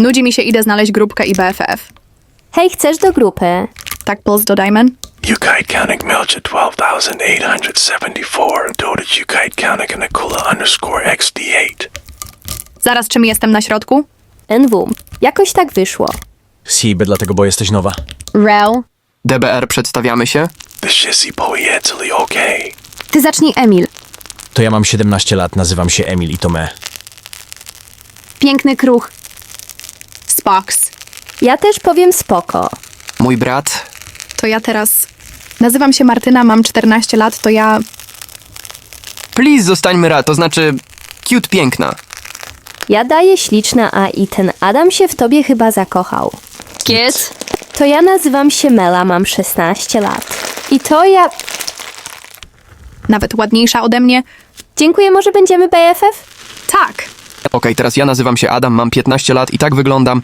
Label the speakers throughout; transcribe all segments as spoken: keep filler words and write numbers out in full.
Speaker 1: Nudzi mi się, idę znaleźć grupkę i B F F.
Speaker 2: Hej, chcesz do grupy?
Speaker 1: Tak, plus dodajmy.
Speaker 3: Ukite counting Melcher twelve thousand eight hundred seventy-four. Dota Ukite counting Nikula underscore X D eight.
Speaker 1: Zaraz, czym jestem na środku?
Speaker 2: N W. Jakoś tak wyszło.
Speaker 4: Siby, dlatego bo jesteś nowa.
Speaker 2: Rel.
Speaker 5: D B R, przedstawiamy się.
Speaker 3: The shizzy poetally okay.
Speaker 2: Ty zacznij, Emil.
Speaker 4: To ja mam siedemnaście lat, nazywam się Emil i to me.
Speaker 2: Piękny kruch.
Speaker 1: Spox.
Speaker 2: Ja też powiem spoko.
Speaker 5: Mój brat.
Speaker 1: To ja teraz... Nazywam się Martyna, mam czternaście lat, to ja...
Speaker 5: Please, zostańmy ra, to znaczy... Cute piękna.
Speaker 2: Ja daję śliczna, a i ten Adam się w tobie chyba zakochał.
Speaker 1: Kids?
Speaker 2: To ja nazywam się Mela, mam szesnaście lat. I to ja...
Speaker 1: Nawet ładniejsza ode mnie.
Speaker 2: Dziękuję, może będziemy B F F?
Speaker 1: Tak.
Speaker 5: Okej, teraz ja nazywam się Adam, mam piętnaście lat i tak wyglądam.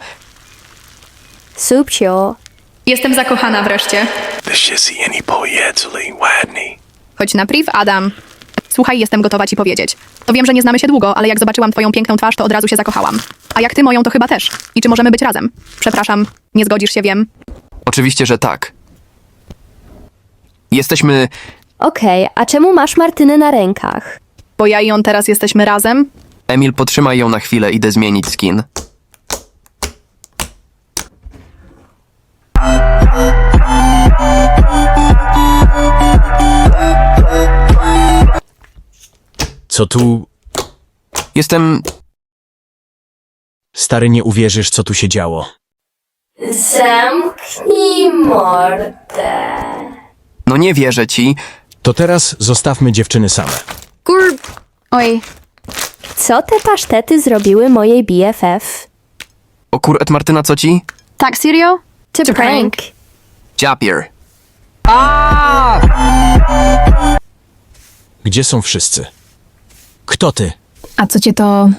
Speaker 2: Subcio.
Speaker 1: Jestem zakochana wreszcie.
Speaker 3: The shizzy any poetally ładny.
Speaker 1: Chodź na priv, Adam. Słuchaj, jestem gotowa ci powiedzieć. To wiem, że nie znamy się długo, ale jak zobaczyłam twoją piękną twarz, to od razu się zakochałam. A jak ty moją, to chyba też. I czy możemy być razem? Przepraszam, nie zgodzisz się, wiem.
Speaker 5: Oczywiście, że tak. Jesteśmy...
Speaker 2: Okej, a czemu masz Martynę na rękach?
Speaker 1: Bo ja i on teraz jesteśmy razem.
Speaker 5: Emil, potrzymaj ją na chwilę, idę zmienić skin.
Speaker 4: Co tu...
Speaker 5: Jestem...
Speaker 4: Stary, nie uwierzysz, co tu się działo.
Speaker 2: Zamknij mordę.
Speaker 5: No nie wierzę ci.
Speaker 4: To teraz zostawmy dziewczyny same.
Speaker 1: Kur... Oj.
Speaker 2: Co te pasztety zrobiły mojej B F F?
Speaker 5: O kuret, Martyna, co ci?
Speaker 1: Tak, serio?
Speaker 2: To
Speaker 1: To
Speaker 2: prank.
Speaker 5: Japier.
Speaker 4: Gdzie są wszyscy? Kto ty?
Speaker 1: A co cię to...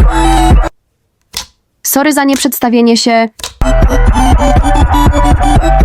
Speaker 2: Sorry za nieprzedstawienie się.